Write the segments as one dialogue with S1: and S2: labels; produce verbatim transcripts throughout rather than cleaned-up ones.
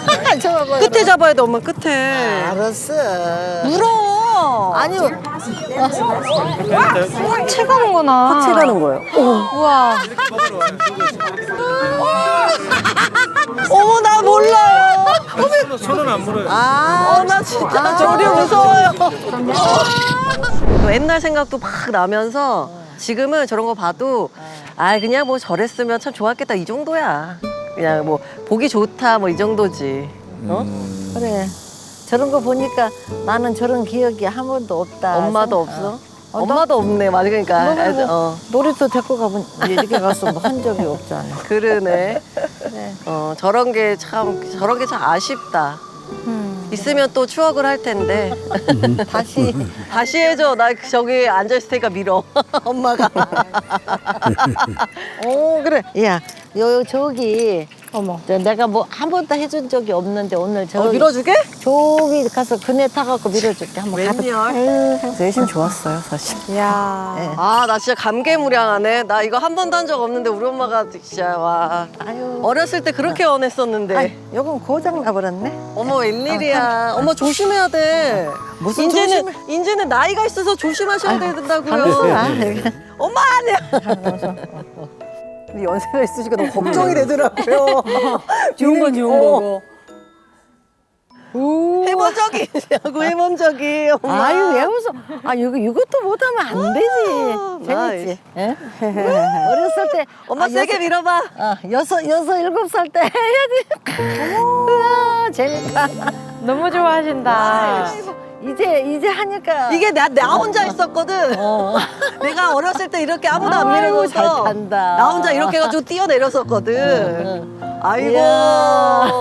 S1: 잡아봐.
S2: 끝에 잡아야 돼, 엄마, 끝에.
S1: 알았어.
S2: 물어.
S1: 아니,
S3: 채 가는구나.
S2: 채 가는 거예요.
S3: 우와.
S2: 어머, 나 몰라요.
S4: 손은 안 물어요.
S1: 아,
S2: 어, 나 진짜 저리 무서워요. 옛날 생각도 막 나면서 지금은 저런 거 봐도 아 그냥 뭐 저랬으면 참 좋았겠다 이 정도야. 그냥 뭐 보기 좋다 뭐 이 정도지. 어?
S1: 그래. 저런 거 보니까 나는 저런 기억이 한 번도 없다.
S2: 엄마도
S1: 생각-
S2: 없어?
S1: 어,
S2: 엄마도 없네. 맞아 그러니까.
S1: 너는 뭐
S2: 어.
S1: 놀이터 데리고 가본 이렇게 가서 뭐 한 적이 없잖아.
S2: 그러네.
S1: 그래.
S2: 어 저런 게 참 저런 게 참 아쉽다. 있으면 또 추억을 할 텐데
S1: 다시
S2: 다시 해줘. 나 저기 앉아 있을 테니까 밀어. 엄마가.
S1: 오 그래. 야, 요 저기 어머. 저 내가 뭐 한 번도 해준 적이 없는데 오늘 저
S2: 어, 밀어주게?
S1: 저기 가서 그네 타갖고 밀어줄게. 한번 가봐.
S2: 웬열?
S1: 내심 좋았어요 사실.
S3: 야.
S1: 예.
S2: 아, 나 진짜 감개무량하네. 나 이거 한 번도 한 적 없는데 우리 엄마가 진짜 와.
S1: 아유.
S2: 어렸을 때 그렇게 원했었는데.
S1: 아이, 요건 고장 나버렸네.
S2: 어머 웬일이야. 어머 조심해야 돼.
S1: 무슨
S2: 이제는
S1: 조심을-
S2: 이제는 나이가 있어서 조심하셔야 된다고요.
S1: 가면서
S2: 엄마 아니야. 근데 연세가 있으시니까 너무 걱정이 되더라고요.
S3: 좋은 건 좋은
S2: 어,
S3: 거고.
S2: 해본 적이 있냐고 해본 적이. 엄마.
S1: 아유 왜 웃어? 아 이거 이것도 못하면 안 되지. 재밌지? 예? 어렸을 때
S2: 엄마
S1: 아,
S2: 세게
S1: 여섯-
S2: 밀어봐.
S1: 어, 여섯 여섯 일곱 살 때 해야지. 우와 재밌다.
S3: 너무 좋아하신다.
S1: 이제 이제 하니까
S2: 이게 나, 나 혼자 있었거든.
S1: 어.
S2: 내가 어렸을 때 이렇게 아무도 안
S1: 아이고,
S2: 밀어줘서
S1: 잘 탄다.
S2: 나 혼자 이렇게 해가지고 뛰어내렸었거든. 아이고.
S1: 이야.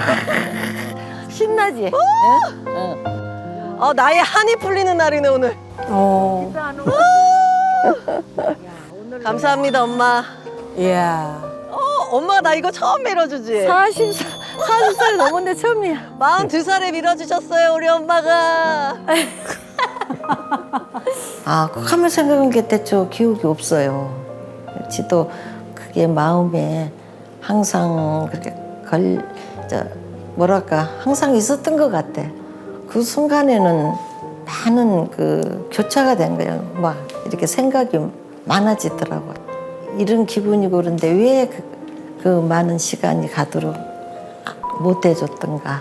S1: 신나지? 예?
S2: 어, 나의 한이 풀리는 날이네 오늘.
S3: 어.
S2: 감사합니다 엄마.
S3: 이야.
S2: 어, 엄마 나 이거 처음 밀어주지.
S1: 사십 사십 살이 넘었는데 처음이야.
S2: 마흔두 살에 밀어주셨어요 우리 엄마가.
S1: 아, 꼭 하면 생각한 게 대체 기억이 없어요. 지도 그게 마음에 항상 그렇게 걸, 저, 뭐랄까, 항상 있었던 것 같아. 그 순간에는 많은 그 교차가 된 거예요. 막 이렇게 생각이 많아지더라고요. 이런 기분이고 그런데 왜 그, 그 많은 시간이 가도록 못 해줬던가.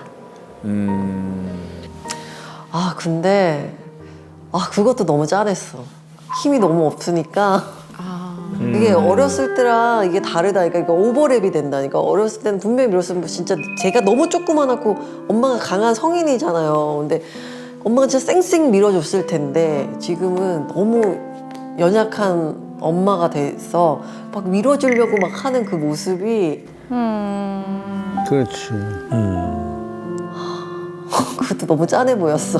S2: 아 근데 아 그것도 너무 짠했어. 힘이 너무 없으니까. 이게 어렸을 때랑 이게 다르다. 그러니까 이거 오버랩이 된다니까. 어렸을 때는 분명히 밀었으면 진짜 제가 너무 조그만하고 엄마가 강한 성인이잖아요. 근데 엄마가 진짜 쌩쌩 밀어줬을 텐데 지금은 너무 연약한 엄마가 돼서 막 밀어주려고 막 하는 그 모습이
S4: 그렇지.
S2: 그것도 너무 짠해 보였어.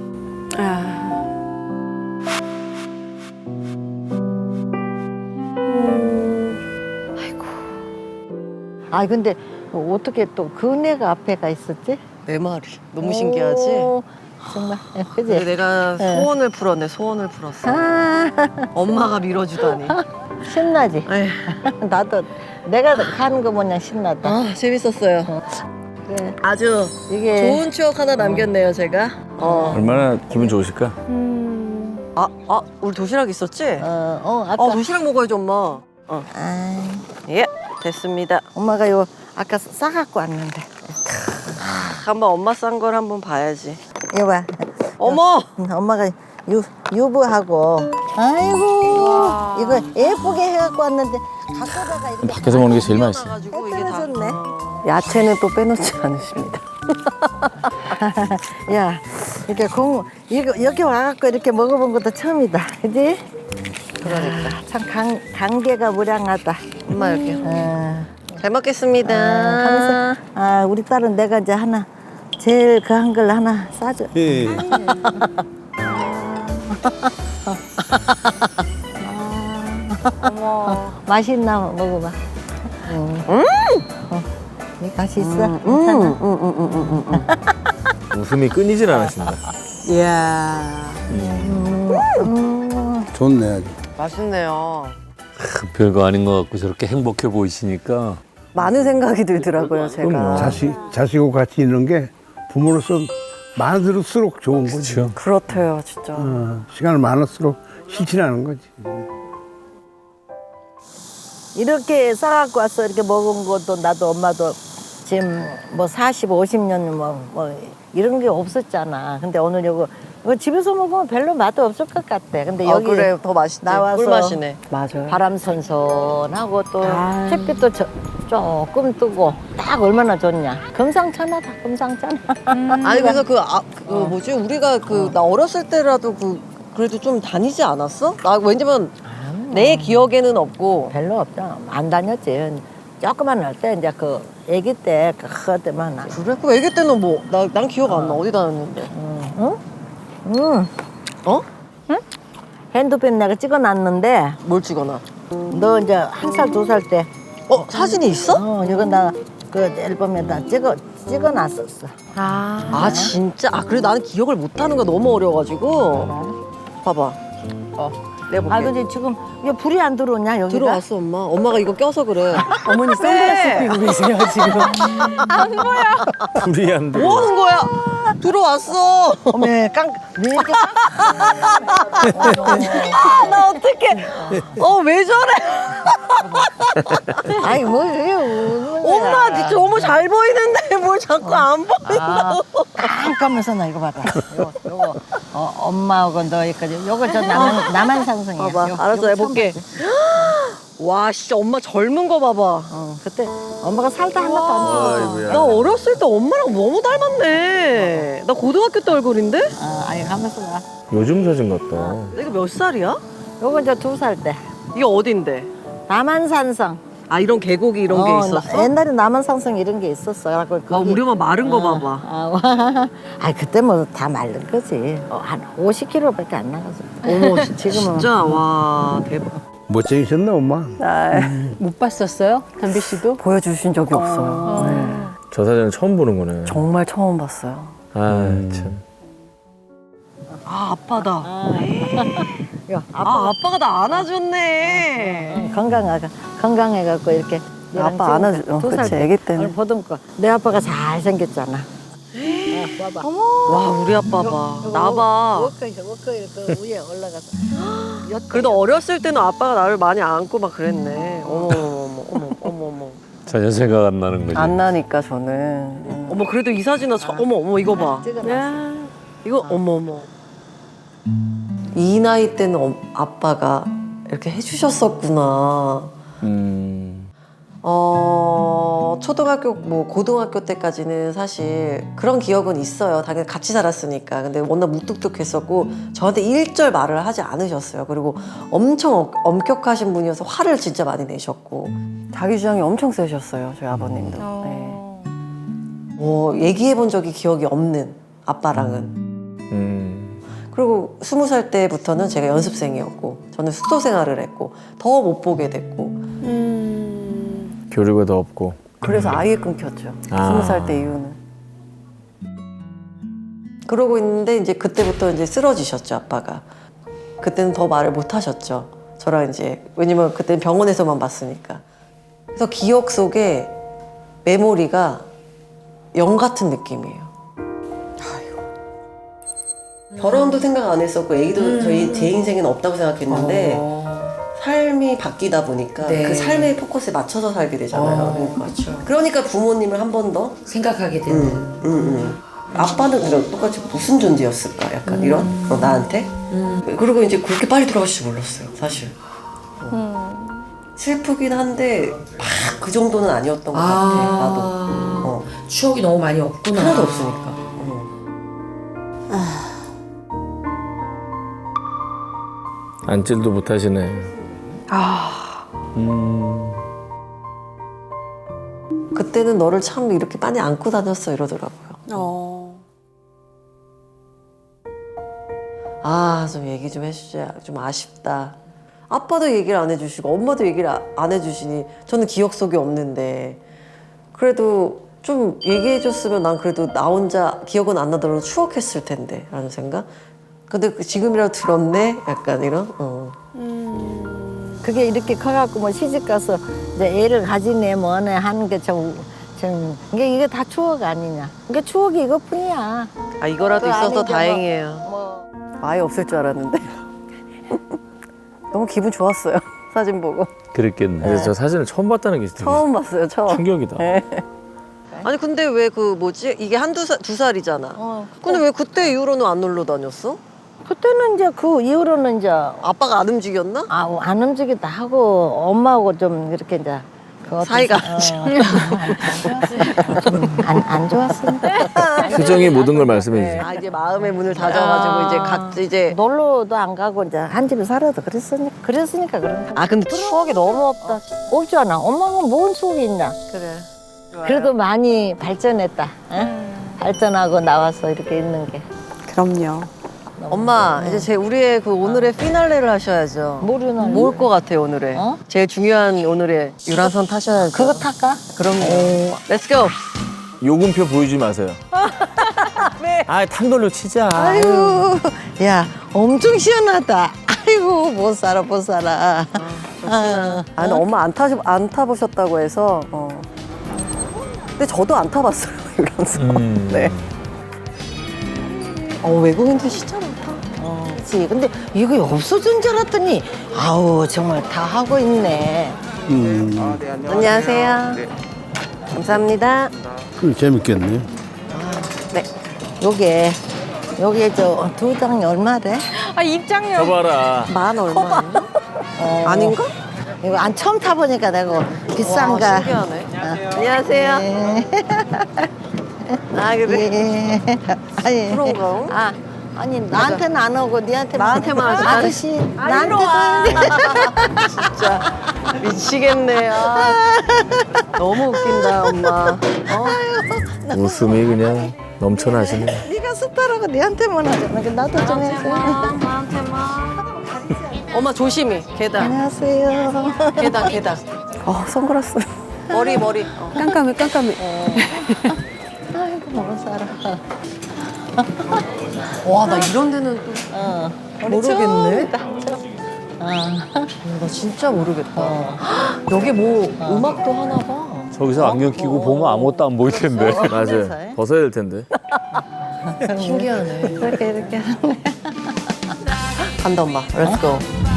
S1: 아, 근데 어떻게 또 그네가 앞에가 있었지?
S2: 내 말이 너무 신기하지?
S1: 오, 정말.
S2: 근데
S1: 그지?
S2: 내가 소원을 풀었네. 소원을 풀었어.
S1: 아,
S2: 엄마가 밀어주다니.
S1: 신나지?
S2: 에휴.
S1: 나도 내가 가는 거 보냐 신나다.
S2: 아 재밌었어요.
S1: 그래.
S2: 아주
S1: 이게
S2: 좋은 추억 하나 남겼네요 제가. 어.
S4: 얼마나 기분 좋으실까?
S2: 아, 아 우리 도시락 있었지?
S1: 어, 어 아까
S2: 아 도시락 먹어야지 엄마. 어.
S1: 아,
S2: 예 됐습니다.
S1: 엄마가 요 아까 싸갖고 왔는데.
S2: 한번 엄마 싼 걸 한번 봐야지.
S1: 이거 봐.
S2: 어머.
S1: 응, 엄마가 유 유부하고. 아이고 이거 예쁘게 해갖고 왔는데 갖고다가 이렇게
S4: 밖에서 먹는 게 제일 맛있어.
S2: 가지고 이게 다.
S1: 떨어졌네.
S2: 야채는 또 빼놓지 않으십니다.
S1: 야 이렇게 공 이거 여기 와갖고 이렇게 먹어본 것도 처음이다, 그지?
S2: 그러니까.
S1: 참 강, 강계가 무량하다.
S2: 엄마 여기.
S1: 어.
S2: 잘 먹겠습니다.
S1: 하면서 아 우리 딸은 내가 이제 하나 제일 그 한 걸 하나 싸줘.
S4: 예.
S3: 어머.
S1: 맛있나 먹어봐. 음. 어. 이 맛이 있어.
S2: 음,
S1: 괜찮아.
S2: 음, 음, 음, 음, 음.
S4: 웃음이 끊이질 않으신다.
S2: 이야.
S1: 음.
S5: 좋네 아주.
S2: 맛있네요.
S6: 별거 아닌 것 같고 저렇게 행복해 보이시니까
S2: 많은 생각이 들더라고요, 제가.
S4: 그럼요.
S5: 자식, 자식하고 같이 있는 게 부모로서 많을수록 좋은 거지.
S4: 그렇죠.
S2: 그렇대요, 진짜.
S5: 어, 시간을 많을수록 실천하는 거지.
S1: 이렇게 싸갖고 와서 이렇게 먹은 것도 나도 엄마도 지금 뭐 사십, 오십 년 뭐, 뭐 이런 게 없었잖아. 근데 오늘 이거, 이거 집에서 먹으면 별로 맛 없을 것 같아. 근데
S2: 아,
S1: 여기
S2: 그래, 더 맛있지.
S1: 나와서
S2: 꿀맛이네.
S3: 맞아요.
S1: 바람 선선하고 또
S3: 아.
S1: 햇빛도 저, 조금 뜨고 딱 얼마나 좋냐. 금상첨화다, 금상첨화.
S2: 아니, 그래서 그, 아, 그 뭐지? 우리가 그, 나 어렸을 때라도 그, 그래도 좀 다니지 않았어? 나 왜냐면 내 기억에는 없고.
S1: 별로 없잖아. 안 다녔지. 조그만 할 때 이제 그 아기 때 그때만 나.
S2: 그래? 그 애기 때는 뭐, 나, 난 기억 안 나. 어디 다녔는데?
S1: 응? 응.
S2: 어?
S1: 핸드폰 내가 찍어놨는데
S2: 뭘 찍어놔?
S1: 너 이제 한 살 두 살 때
S2: 어? 사진이 있어?
S1: 어, 이거 나 그 앨범에다 찍어 찍어놨었어.
S3: 아.
S2: 아, 진짜? 아, 그래 나는 기억을 못하는 거 너무 어려가지고. 봐봐. 어, 내가 볼게.
S1: 아 근데 지금 이게 불이 안 들어오냐 여기가?
S2: 들어왔어, 엄마. 엄마가 이거 껴서 그래.
S3: 어머니 선글라스 끼고 계세요, 지금.
S4: 불이 안 들어.
S2: 뭐 하는 거야? 들어왔어.
S1: 어메 깡 왜 이렇게
S2: 아, 나 어떡해. 어, 왜 저래?
S1: 아이 뭐 이게 우는 거야.
S2: 엄마, 니 너무 잘 보이는데 뭘 자꾸 안 보인다고.
S1: 깜깜해서 나 이거 봐봐. 요거 요거 어, 엄마하고 너희까지 요거 저 나만 나만 상승이야.
S2: 봐봐,
S1: 요-
S2: 알았어,
S1: 요거
S2: 해볼게.
S1: 처음 봤지?
S2: 와, 진짜 엄마 젊은 거 봐봐.
S1: 어, 그때 엄마가 살다 하나도 안 쪄.
S4: 아이고야.
S2: 나 어렸을 때 엄마랑 너무 닮았네. 나 고등학교 때 얼굴인데?
S1: 아, 아니 가면서 나.
S4: 요즘 사진 같다.
S2: 내가 몇 살이야?
S1: 요거 이제 두 살 때.
S2: 이게 어딘데?
S1: 남한산성.
S2: 아, 이런 계곡이 이런 게
S1: 어,
S2: 있었어?
S1: 나- 옛날에 남한산성 이런 게 있었어. 그래갖고
S2: 아,
S1: 거기-
S2: 우리 엄마 마른 거
S1: 어,
S2: 봐봐.
S1: 아, 아 그때 뭐 다 마른 거지. 어, 한 오십 킬로그램밖에 안 나가서.
S2: 어머,
S1: 지금은
S2: 진짜 와 대박.
S5: 멋쟁이셨나 엄마?
S3: 못 봤었어요? 담비 씨도?
S2: 보여주신 적이 없어요. 네.
S4: 저 사진은 처음 보는 거네.
S2: 정말 처음 봤어요.
S4: 아, 참.
S2: 아, 아빠다.
S1: 야,
S2: 아, 아빠가 나 안아줬네.
S1: 건강하가 건강해갖고 이렇게. 얘랑
S2: 아빠 안아줘.
S1: 지금
S2: 어,
S1: 두 살
S2: 그치,
S1: 때
S2: 애기 때는.
S1: 오늘 보듬고 내 아빠가 잘 생겼잖아. 어, 봐봐.
S2: 와, 우리 아빠 봐. 나 봐.
S1: 워커 워커 그 위에 올라가서.
S2: 그래도 어렸을 때는 아빠가 나를 많이 안고 막 그랬네. 어머, 어머, 어머, 어머, 어머.
S4: 전혀 생각 안 나는 거지.
S2: 안 나니까 저는. 어머, 그래도 이 사진은 저, 어머, 어머, 이거 봐.
S1: 찍어놨어.
S2: 이거 어머, 어머. 이 나이 때는 엄- 아빠가 이렇게 해주셨었구나.
S4: 음.
S2: 어, 초등학교, 뭐, 고등학교 때까지는 사실 그런 기억은 있어요. 당연히 같이 살았으니까. 근데 워낙 무뚝뚝했었고, 저한테 일절 말을 하지 않으셨어요. 그리고 엄청 어- 엄격하신 분이어서 화를 진짜 많이 내셨고. 자기 주장이 엄청 세셨어요, 저희 아버님도. 네. 뭐, 얘기해 본 적이 기억이 없는 아빠랑은.
S4: 음.
S2: 그리고 스무 살 때부터는 제가 연습생이었고, 저는 숙소 생활을 했고, 더 못 보게 됐고,
S4: 교류가 더 없고.
S2: 그래서 아예 끊겼죠.
S4: 아.
S2: 스무 살 때 이후는. 그러고 있는데 이제 그때부터 이제 쓰러지셨죠, 아빠가. 그때는 더 말을 못 하셨죠. 저랑 이제 왜냐면 그때는 병원에서만 봤으니까. 그래서 기억 속에 메모리가 영 같은 느낌이에요. 결혼도 생각 안 했었고 애기도 저희 제 인생에는 없다고 생각했는데 삶이 바뀌다 보니까 그 삶의 포커스에 맞춰서 살게 되잖아요. 그러니까. 그러니까 부모님을 한 번 더
S6: 생각하게 되는.
S2: 음, 음, 음. 아빠는 그냥 똑같이 무슨 존재였을까? 약간 이런 어, 나한테. 그리고 이제 그렇게 빨리 돌아가실 줄 몰랐어요, 사실. 어. 슬프긴 한데 막 그 정도는 아니었던 것 같아. 나도. 어.
S6: 추억이 너무 많이 없구나.
S2: 하나도 없으니까. 어.
S4: 안질도 못 하시네. 아. 음.
S2: 그때는 너를 참 이렇게 많이 안고 다녔어 이러더라고요.
S3: 어.
S2: 아, 좀 얘기 좀 해주자. 좀 아쉽다. 아빠도 얘기를 안 해주시고 엄마도 얘기를 아- 안 해주시니 저는 기억 속에 없는데 그래도 좀 얘기해줬으면 난 그래도 나 혼자 기억은 안 나더라도 추억했을 텐데 라는 생각? 근데 그 지금이라도 들었네? 약간 이런? 어.
S1: 그게 이렇게 커갖고 뭐 시집 가서 이제 애를 가지네 뭐네 하는 게 좀 좀 이게 이게 다 추억 아니냐. 이게 추억이 이것뿐이야.
S2: 아 이거라도
S1: 그
S2: 있어서
S1: 안에 이제 뭐-
S2: 다행이에요.
S1: 뭐
S2: 아예 없을 줄 알았는데 너무 기분 좋았어요. 사진 보고
S4: 그랬겠네. 그래서 저 사진을 처음 봤다는 게 되게
S2: 처음 봤어요. 처음.
S4: 충격이다.
S2: 네. 아니 근데 왜 그 뭐지 이게 한두 살 두 살이잖아.
S1: 어.
S2: 근데 왜 그때 이후로는 안 놀러 다녔어?
S1: 그때는 이제 그 이후로는 이제
S2: 아빠가 안 움직였나?
S1: 아, 안 움직이다 하고 엄마하고 좀 이렇게 이제 그 어떤
S2: 사이가
S1: 사- 어, 안, 안 좋았습니다.
S4: 표정이 모든 걸 말씀해 주세요.
S2: 아 이제 마음의 문을 닫아가지고 이제 각 이제
S1: 놀러도 안 가고 이제 한 집에 살아도 그랬으니까 그랬으니까 그런 거.
S2: 아 근데 추억이 너무 없다.
S1: 없잖아. 엄마가 뭔 수업이 있냐.
S2: 그래.
S1: 그래도 많이 발전했다. 응? 발전하고 나와서 이렇게 있는 게.
S3: 그럼요.
S2: 엄마 이제 제 우리의 그 오늘의 피날레를 하셔야죠.
S1: 모르나?
S2: 뭘 것 같아요 오늘의?
S1: 어?
S2: 제일 중요한 오늘의 유람선 타셔야죠.
S1: 그거 탈까?
S2: 그럼요. 렛츠 고.
S4: 요금표 보여주지 마세요. 네. 아, 탄 걸로 치자.
S1: 아유, 야, 엄청 시원하다. 아이고, 못 살아, 못 살아. 아,
S2: 아, 근데 엄마 안 타시 안 타보셨다고 해서. 어. 근데 저도 안 타봤어요 유람선.
S4: 음.
S2: 네. 어 외국인들 진짜 많다.
S1: 어, 그렇지. 근데 이거 없어진 줄 알았더니, 아우, 정말 다 하고 있네.
S5: 음,
S2: 안녕하세요. 감사합니다.
S5: 그 재밌겠네.
S2: 네.
S1: 요게, 요게 저 두 장이 얼마래?
S3: 아 입장료.
S4: 저 봐라.
S2: 만 얼마?
S1: 어,
S2: 아닌가?
S1: 이거 안 처음 타보니까 내가 비싼가.
S2: 와, 신기하네. 안녕하세요.
S1: 예.
S2: 아 그래?
S1: 예. 아니,
S2: 그런가?
S1: 아, 아니 나한테는 안 오고 니한테만
S2: 나한테만 하지.
S1: 아저씨 나한테도
S2: 진짜 미치겠네. 아, 너무 웃긴다 엄마. 어?
S4: 웃음이 그냥 넘쳐나시네.
S1: 네가 스타라고 니한테만 하잖아. 그 나도 좀 해줘.
S2: 엄마 조심히 계단
S1: 안녕하세요.
S2: 계단 계단. 어 선글라스. 머리 머리. 어.
S3: 깜깜해 깜깜해.
S1: 아이고 못 살아.
S2: 와 나 이런 데는 또
S1: 어.
S2: 모르겠네.
S1: 어.
S2: 나 진짜 모르겠다. 여기 뭐 음악도 하나 봐.
S7: 저기서 안경 끼고 보면 아무것도 안 보일 텐데.
S4: 맞아요. 벗어야 될 텐데.
S2: 신기하네.
S1: 이렇게 이렇게.
S2: 간다 엄마. 렛츠고.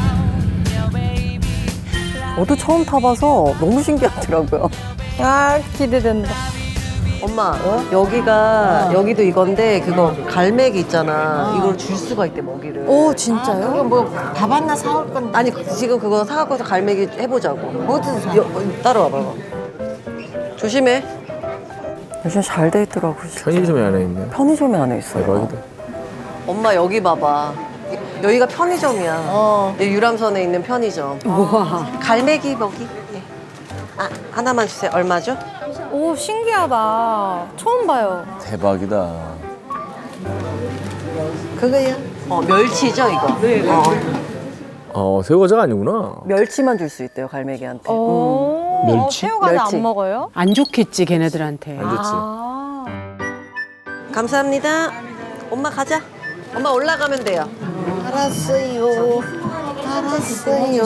S2: 저도 처음 타봐서 너무 신기하더라고요.
S3: 아 기대된다.
S2: 엄마 여기가 여기도 이건데 그거 갈매기 있잖아. 이걸 줄 수가 있대 먹이를.
S3: 오 진짜요?
S1: 그거 뭐밥 하나 사올 건데.
S2: 아니 지금 그거 사갖고서 갈매기 해보자고.
S1: 어디서 사?
S2: 여, 따라와봐. 조심해. 요즘 잘 돼 있더라고. 진짜.
S4: 편의점에 안에 있네.
S2: 편의점에 안에 있어요.
S4: 대박이다.
S2: 엄마 여기 봐봐. 여기가 편의점이야.
S1: 어.
S2: 이 유람선에 있는 편의점.
S3: 우와.
S2: 갈매기 먹이. 예. 아 하나만 주세요. 얼마죠?
S8: 오 신기하다. 처음 봐요.
S7: 대박이다.
S1: 그거야.
S2: 어 멸치죠 이거. 네. 어,
S4: 어, 새우과자가 아니구나.
S2: 멸치만 줄 수 있대요 갈매기한테.
S8: 오.
S7: 멸치?
S8: 어, 새우과자
S2: 멸치.
S8: 안 먹어요?
S3: 안 좋겠지 걔네들한테.
S4: 안 좋지.
S8: 아.
S2: 감사합니다. 엄마 가자. 엄마 올라가면 돼요.
S1: 알았어요. 알았어요.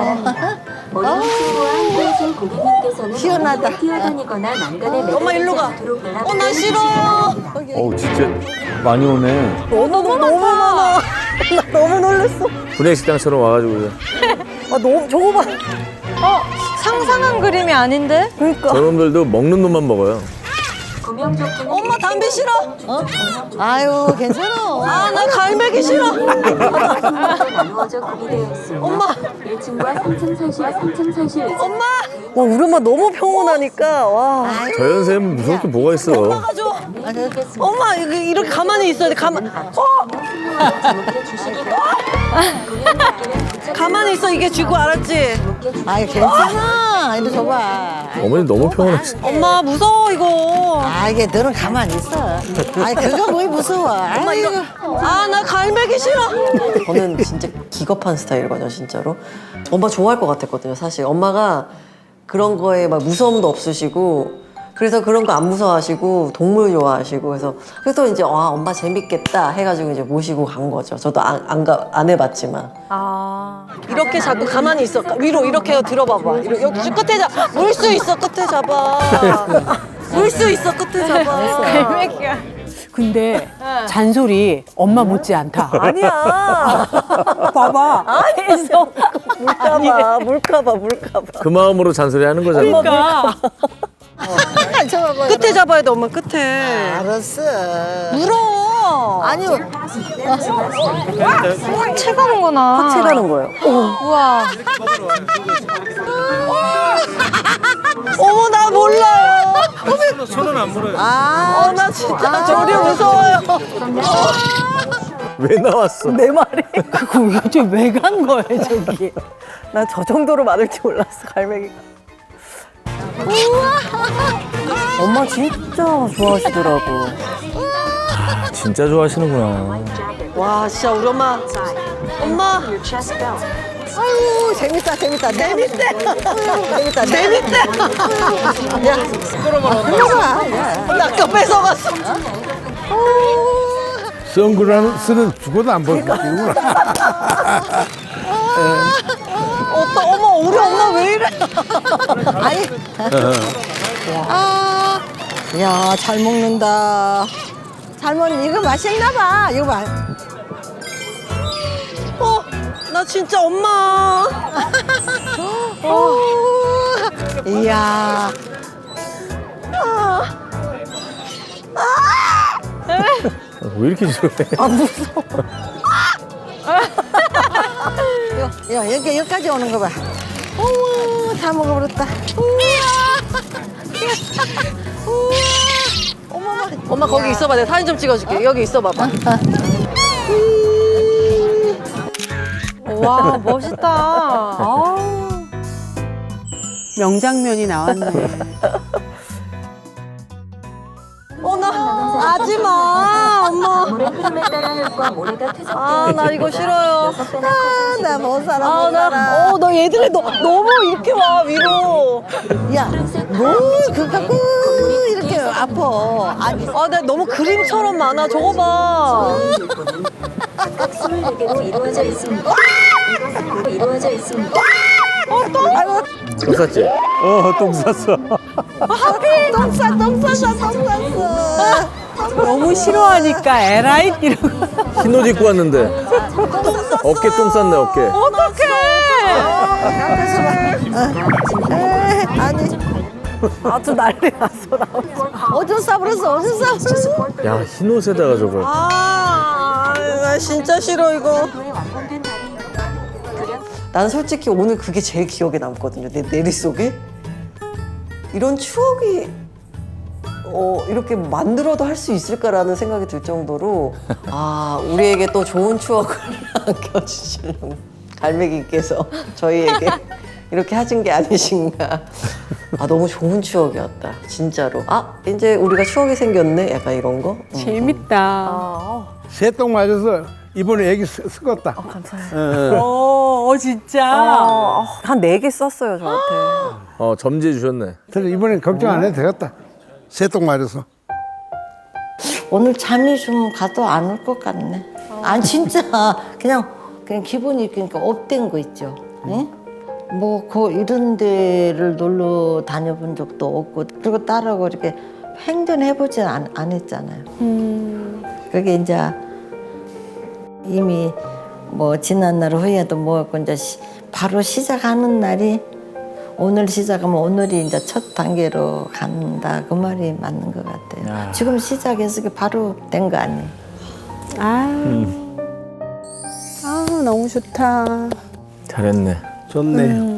S1: 시원하다.
S2: 엄마 일로 가. 어 나 싫어.
S7: 어우, 진짜 많이 오네.
S2: 너무 너무 너무 많아. 나 너무 놀랐어.
S4: 분해식당처럼 와가지고.
S2: 아 너무 저거 봐.
S8: 어 상상한 그림이 아닌데?
S2: 그러니까.
S4: 저놈들도 먹는 놈만 먹어요.
S2: 엄마 담배 싫어.
S1: 아유 괜찮아.
S2: 아 나 갈매기 싫어.
S9: 나누어져 구비되어 있습니다.
S2: 엄마.
S9: 일 층과 삼 층 사실, 삼 층 사실
S2: 엄마. 와 우리 엄마 너무 평온하니까 와.
S4: 저 연세면 무서울 게 뭐가 있어.
S2: 가져. 엄마 이거 이렇게 가만히 있어야 돼. 가만. 어. 가만히 있어 이게 쥐고 알았지?
S1: 아이 괜찮아. 이리 줘봐.
S4: 어머니 너무 평온하시.
S2: 엄마 무서워 이거.
S1: 아 이게 너는 가만히 있어. 아이 그거 뭐이 무서워.
S2: 엄마 이거 아 나 갈매기 싫어. 저는 진짜 기겁한 스타일이거든요 진짜로. 엄마 좋아할 것 같았거든요 사실. 엄마가 그런 거에 막 무서움도 없으시고 그래서 그런 거 안 무서워하시고 동물 좋아하시고 그래서 그래서 이제 와 엄마 재밌겠다 해가지고 이제 모시고 간 거죠. 저도 안 안 가 안 해봤지만.
S8: 아.
S2: 이렇게 자꾸 가만히 있어. 위로 이렇게 들어봐봐. 이렇게 여기 끝에 잡. 물 수 있어 끝에 잡아. 물 수 있어 끝에 잡아.
S8: 갈매기야.
S3: 근데 잔소리 엄마 못지 않다.
S2: 아니야.
S3: 봐봐.
S2: 안에서 물까봐 물까봐 물까봐.
S4: 그 마음으로 잔소리하는 거잖아.
S3: 그러니까.
S2: 끝에 잡아야 돼 엄마 끝에.
S1: 알았어.
S2: 물어.
S1: 아니요.
S8: 채 가는구나.
S2: 채 가는 거예요.
S8: 우와.
S2: 어머 나 몰라요.
S4: 손은 안 물어요.
S2: 아, 나 진짜 저리 무서워요.
S4: 왜 나왔어?
S2: 내 말이.
S3: 그거 도대체 왜 간 거야 저기?
S2: 나 저 정도로 많을 줄 몰랐어 갈매기가. 엄마 진짜 좋아하시더라고.
S4: 아, 진짜 좋아하시는구나.
S2: 와 진짜 우리 엄마. 엄마. 아유 재밌다 재밌다 재밌대. 재밌다 재밌대. 야 나 아까 뺏어갔어.
S5: 선글라스는 죽어도 안 벗기구나.
S2: 어떠 어머 우리 엄마 왜 이래?
S1: 아니. 아, 야, 잘 먹는다. 잘 먹는 이거 맛있나 봐. 이거 봐.
S2: 어, 나 진짜 엄마.
S1: 어. 이야.
S4: 왜 이렇게 싫어해?
S1: 야, 야, 여기, 여기까지 오는 거 봐. 어머, 다 먹어버렸다. 어머머.
S2: 엄마 거기 있어봐 내가 사진 좀 찍어줄게. 여기 있어봐봐.
S8: 와, 멋있다. 아.
S3: 명장면이 나왔네.
S2: 어나 하지 마 엄마.
S9: 물의 흐름에 따라 흙과 모래가 퇴적되어
S2: 아 나 이거 싫어요.
S1: 아, 나 못 살아, 못 살아.
S2: 아나어너 얘들이 너 너무 이렇게 와 위로.
S1: 야, 뭘 그거 갖고 이렇게 아파. 아니,
S2: 아 나 너무 그림처럼 많아. 저거 봐.
S9: 각각 스물네 개로 이루어져 있습니다. 이것은 곧 이루어져 있습니다.
S4: 똥 쌌지?
S7: 어, 똥 쌌어.
S1: 똥 싸, 똥 쌌어, 똥 쌌어.
S3: 너무 싫어하니까 에라이 이러고.
S4: 흰 옷 입고 왔는데. 어깨 똥 쌌네, 어깨.
S1: 앞에서 봐. 에, 아니,
S2: 아주 난리 났어 나.
S1: 어디서 싸버렸어, 어디서 싸버렸어.
S4: 야, 흰 옷에다가 저걸.
S2: 아나 진짜 싫어 이거.
S9: 도에 완공된 다리.
S2: 나는 솔직히 오늘 그게 제일 기억에 남거든요. 내 내리 속에 이런 추억이 어, 이렇게 만들어도 할 수 있을까라는 생각이 들 정도로 아 우리에게 또 좋은 추억을 안겨주시는 갈매기께서 저희에게 이렇게 하신 게 아니신가. 아 너무 좋은 추억이었다 진짜로. 아 이제 우리가 추억이 생겼네 약간 이런 거.
S3: 재밌다.
S5: 새똥 맞아서 이번에 애기 스- 썩었다. 감사해요.
S3: 어, 어 진짜.
S2: 한 네 개 썼어요 저한테.
S4: 어, 점지해 주셨네.
S5: 그래서 이번엔 걱정 안 해도 되겠다. 새똥 맞아서.
S1: 오늘 잠이 좀 가도 안 올 것 같네. 아니 진짜 그냥 그냥 기분이 그러니까 업된 거 있죠. 응? 뭐그 이런 데를 놀러 다녀본 적도 없고 그리고 딸하고 이렇게 행전해보진 안, 안 했잖아요. 그게 이제 이미 뭐 지난 날 후에도 뭐고 이제 시, 바로 시작하는 날이 오늘 시작하면 오늘이 이제 첫 단계로 간다 그 말이 맞는 것 같아요.
S4: 야.
S1: 지금 시작해서 이게 바로 된 거 아니에요?
S3: 아유. 아유 너무 좋다.
S4: 잘했네.
S5: 좋네.